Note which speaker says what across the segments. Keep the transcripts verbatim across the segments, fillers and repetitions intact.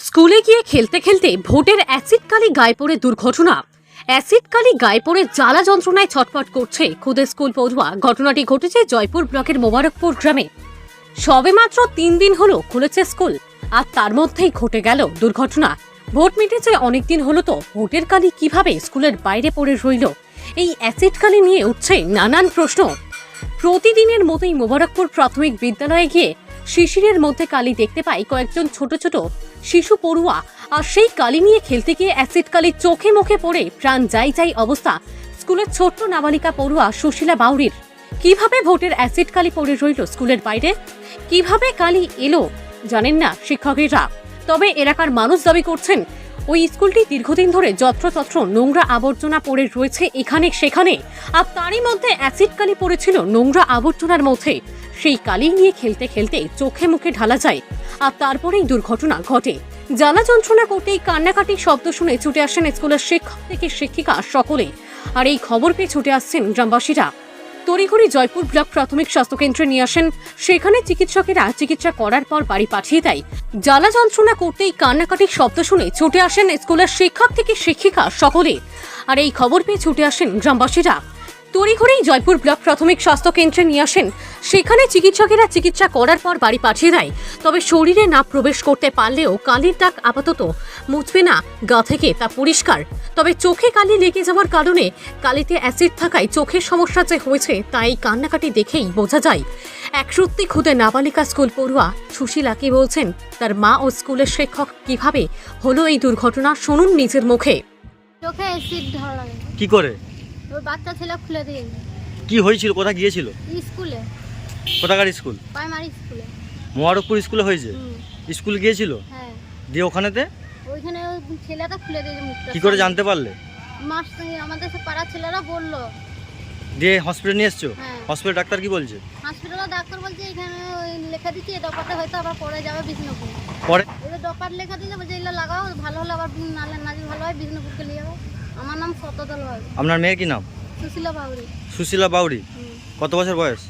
Speaker 1: স্কুলে গিয়ে খেলতে খেলতে ভোটের অ্যাসিড কালি গায়ে পড়ে দুর্ঘটনা। অ্যাসিড কালি গায়ে পড়ে জ্বালা যন্ত্রণায় ছটফট করছে খুদে স্কুল পড়ুয়া। ঘটনাটি ঘটেছে জয়পুর ব্লকের মোবারকপুর গ্রামে। সবেমাত্র তিন দিন হলো খুলেছে স্কুল, আর তার মধ্যেই ঘটে গেল দুর্ঘটনা। ভোট মিটেছে অনেকদিন হলো, তো ভোটের কালি কিভাবে স্কুলের বাইরে পড়ে রইল? এই অ্যাসিড কালি নিয়ে উঠছে নানান প্রশ্ন। প্রতিদিনের মতোই মোবারকপুর প্রাথমিক বিদ্যালয়ে গিয়ে শিশিরের মধ্যে কালি দেখতে পাই কয়েকজন ছোট ছোট শিশু পড়ুয়া। আর সেই কালি নিয়ে খেলতে গিয়ে অ্যাসিড কালি চোখে মুখে পড়ে প্রাণ যাই যাই অবস্থা স্কুলের ছোট্ট নাবালিকা পড়ুয়া সুশীলা বাউরির। কিভাবে ভোটের অ্যাসিড কালি পড়ে রইল স্কুলের বাইরে? কিভাবে কালি এলো জানেন না শিক্ষকেরা। তবে এলাকার মানুষ দাবি করছেন ওই স্কুলটি দীর্ঘদিন ধরে যত্রতত্র নোংরা আবর্জনা পড়ে রয়েছে এখানে সেখানে, আর তারই মধ্যে অ্যাসিড কালি পড়েছিল নোংরা আবর্জনার মধ্যে। সেই কালি নিয়ে খেলতে খেলতে চোখে মুখে ঢালা যায়, আর তারপরেই দুর্ঘটনা ঘটে। জ্বালা যন্ত্রণা করতেই কান্নাকাটির শব্দ শুনে ছুটে আসেন স্কুলের শিক্ষক থেকে শিক্ষিকা সকলে। আর এই খবর পেয়ে ছুটে আসছেন গ্রামবাসীরা। তড়িঘড়ি জয়পুর ব্লক প্রাথমিক স্বাস্থ্যকেন্দ্রে নিয়ে আসেন। সেখানে চিকিৎসকেরা চিকিৎসা করার পর বাড়ি পাঠিয়ে দেয়। জ্বালা যন্ত্রণা করতেই কান্নাকাটির শব্দ শুনে ছুটে আসেন স্কুলের শিক্ষক থেকে শিক্ষিকা সকলে। আর এই খবর পেয়ে ছুটে আসেন গ্রামবাসীরা। তড়িঘড়ি জয়পুর ব্লক প্রাথমিক স্বাস্থ্য কেন্দ্রে নিয়ে আসেন। সেখানে চিকিৎসকেরা চিকিৎসা করার পর বাড়ি পাঠিয়ে দেয়। তবে শরীরে না প্রবেশ করতে পারলেও কালির দাগ আপাতত মুছবে না গা থেকে, তা পরিষ্কার। তবে চোখে কালি লেগে যাওয়ার কারণে কালিতে অ্যাসিড থাকায় চোখের সমস্যা যে হয়েছে তা এই কান্নাকাটি দেখেই বোঝা যায়। এক সত্যি খুদে নাবালিকা স্কুল পড়ুয়া সুশীলা কি বলছেন, তার মা ও স্কুলের শিক্ষক কিভাবে হলো এই দুর্ঘটনা, শুনুন নিজের মুখে।
Speaker 2: চোখে অ্যাসিড ধরা
Speaker 3: কি করে?
Speaker 2: ওর বাচ্চা ছেলে খুলে দিয়ে
Speaker 3: কি হয়েছিল? কোথায় গিয়েছিল?
Speaker 2: স্কুলে,
Speaker 3: কোথাকার স্কুল?
Speaker 2: প্রাইমারি স্কুলে।
Speaker 3: মোবারকপুর স্কুলে হয়েছে?
Speaker 2: হুম,
Speaker 3: স্কুল গিয়েছিল?
Speaker 2: হ্যাঁ।
Speaker 3: দিয়ে ওখানেতে
Speaker 2: ওইখানে ওই ছেলেটা খুলে দিয়েছে মুখটা।
Speaker 3: কি করে জানতে পারলে?
Speaker 2: মাস আমাদের সে পাড়ার ছেলেরা বললো।
Speaker 3: দিয়ে হসপিটাল নিয়ে এসছো?
Speaker 2: হ্যাঁ।
Speaker 3: হসপিটাল ডাক্তার কি বলছে?
Speaker 2: হসপিটালে ডাক্তার বলছে এখানে ওই লেখা দিচ্ছি এই ডপারটা হয়তো আবার পরে যাবে বিষ্ণুপুর।
Speaker 3: পরে
Speaker 2: এবার ডপার লেখা দিলে বলছে এগুলো লাগাও, ভালো হলে আবার নালে নাজি ভালো হয় বিষ্ণুপুরকে নিয়ে যাবো। আমার নাম শতদল হয়।
Speaker 3: আপনার মেয়ের কি নাম?
Speaker 2: সুশীলা বাউরি।
Speaker 3: সুশীলা বাউরি।
Speaker 2: হুম।
Speaker 3: কত বছর বয়স?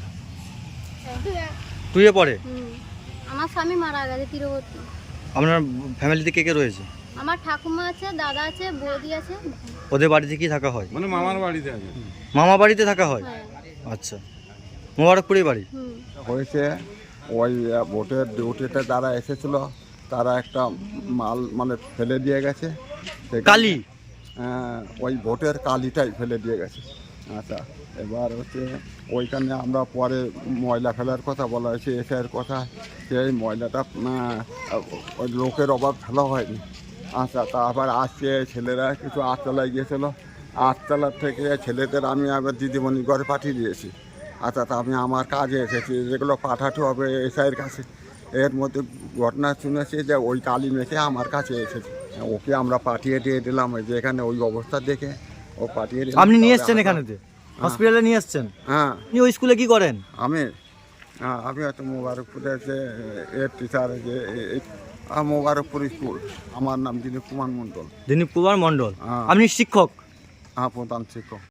Speaker 2: হ্যাঁ।
Speaker 3: টুয়ে পড়ে?
Speaker 2: হুম। আমার স্বামী মারা গেছে তীরবর্তী।
Speaker 3: আপনার ফ্যামিলিতে কে কে রয়েছে?
Speaker 2: আমার ঠাকুমা আছে, দাদা আছে, বৌদি আছে।
Speaker 3: ওদের বাড়িতে কি থাকা হয়?
Speaker 4: মানে মামার বাড়িতে আছে।
Speaker 3: মামা বাড়িতে থাকা হয়?
Speaker 2: হ্যাঁ।
Speaker 3: আচ্ছা, মোবারকপুরে বাড়ি।
Speaker 2: হুম।
Speaker 4: হয়েছে ওই ভোটের ডিউটিতে যারা এসেছিল তারা একটা মাল মানে ফেলে দিয়ে গেছে। সেখানে,
Speaker 3: কালি?
Speaker 4: আহ, ওই ভোটের কালিটাই ফেলে দিয়ে গেছে। আচ্ছা, এবার হচ্ছে ওইখানে আমরা পরে ময়লা ফেলার কথা বলা হয়েছে, এসের কথা, সেই ময়লাটা আহ, ওই লোকের অভাব ফেলা হয়নি। আচ্ছা, তারপর আসছে ছেলেরা কিছু আটতলায় গিয়েছিলো, আটতলার থেকে ছেলেদের আমি আবার দিদিমণির ঘরে পাঠিয়ে দিয়েছি। আচ্ছা, তা আমি আমার কাজে এসেছি, যেগুলো পাঠাতে হবে এসআইয়ের কাছে। এর মধ্যে ঘটনা শুনেছি যে ওই কালি মেখে আমার কাছে এসেছে, ওকে আমরা পাঠিয়ে দিয়ে দিলাম। ওই যে এখানে ওই অবস্থা দেখে ও পাঠিয়ে দিলাম।
Speaker 3: আপনি নিয়ে এসছেন এখানেতে? হসপিটালে নিয়ে এসছেন?
Speaker 4: হ্যাঁ।
Speaker 3: আপনি ওই স্কুলে কি করেন?
Speaker 4: আমি হ্যাঁ আমি হয়তো মোবারকপুরের যে এর টিচার, যে এই- আহ, মোবারকপুর স্কুল। আমার নাম দিলীপ কুমার মণ্ডল।
Speaker 3: দিলীপ কুমার মণ্ডল।
Speaker 4: হ্যাঁ।
Speaker 3: আপনি শিক্ষক?
Speaker 4: হ্যাঁ, প্রধান শিক্ষক।